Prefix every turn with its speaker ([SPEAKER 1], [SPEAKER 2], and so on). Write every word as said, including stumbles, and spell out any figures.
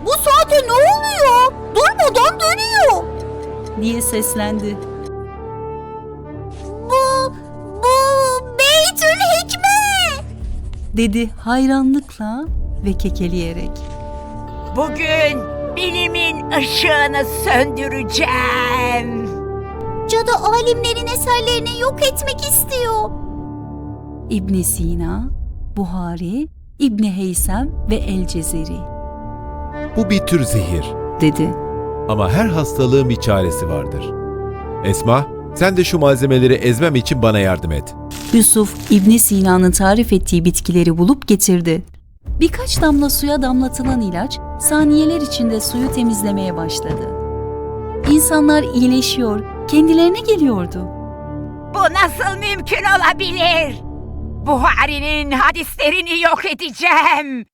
[SPEAKER 1] Bu saate ne oluyor? Durmadan dönüyor.
[SPEAKER 2] diye seslendi.
[SPEAKER 1] Bu, bu Beytülhikme.
[SPEAKER 2] Dedi hayranlıkla ve kekeleyerek.
[SPEAKER 3] Bugün bilimin ışığını söndüreceğim.
[SPEAKER 1] Cadı alimlerin eserlerini yok etmek istiyor.
[SPEAKER 2] İbn Sina, Buhari, İbn Heysem ve El-Cezeri
[SPEAKER 4] Bu bir tür zehir.
[SPEAKER 2] dedi.
[SPEAKER 4] Ama her hastalığın bir çaresi vardır. Esma, sen de şu malzemeleri ezmem için bana yardım et.
[SPEAKER 2] Yusuf, İbn Sina'nın tarif ettiği bitkileri bulup getirdi. Birkaç damla suya damlatılan ilaç, saniyeler içinde suyu temizlemeye başladı. İnsanlar iyileşiyor, kendilerine geliyordu.
[SPEAKER 3] Bu nasıl mümkün olabilir? Buhari'nin hadislerini yok edeceğim.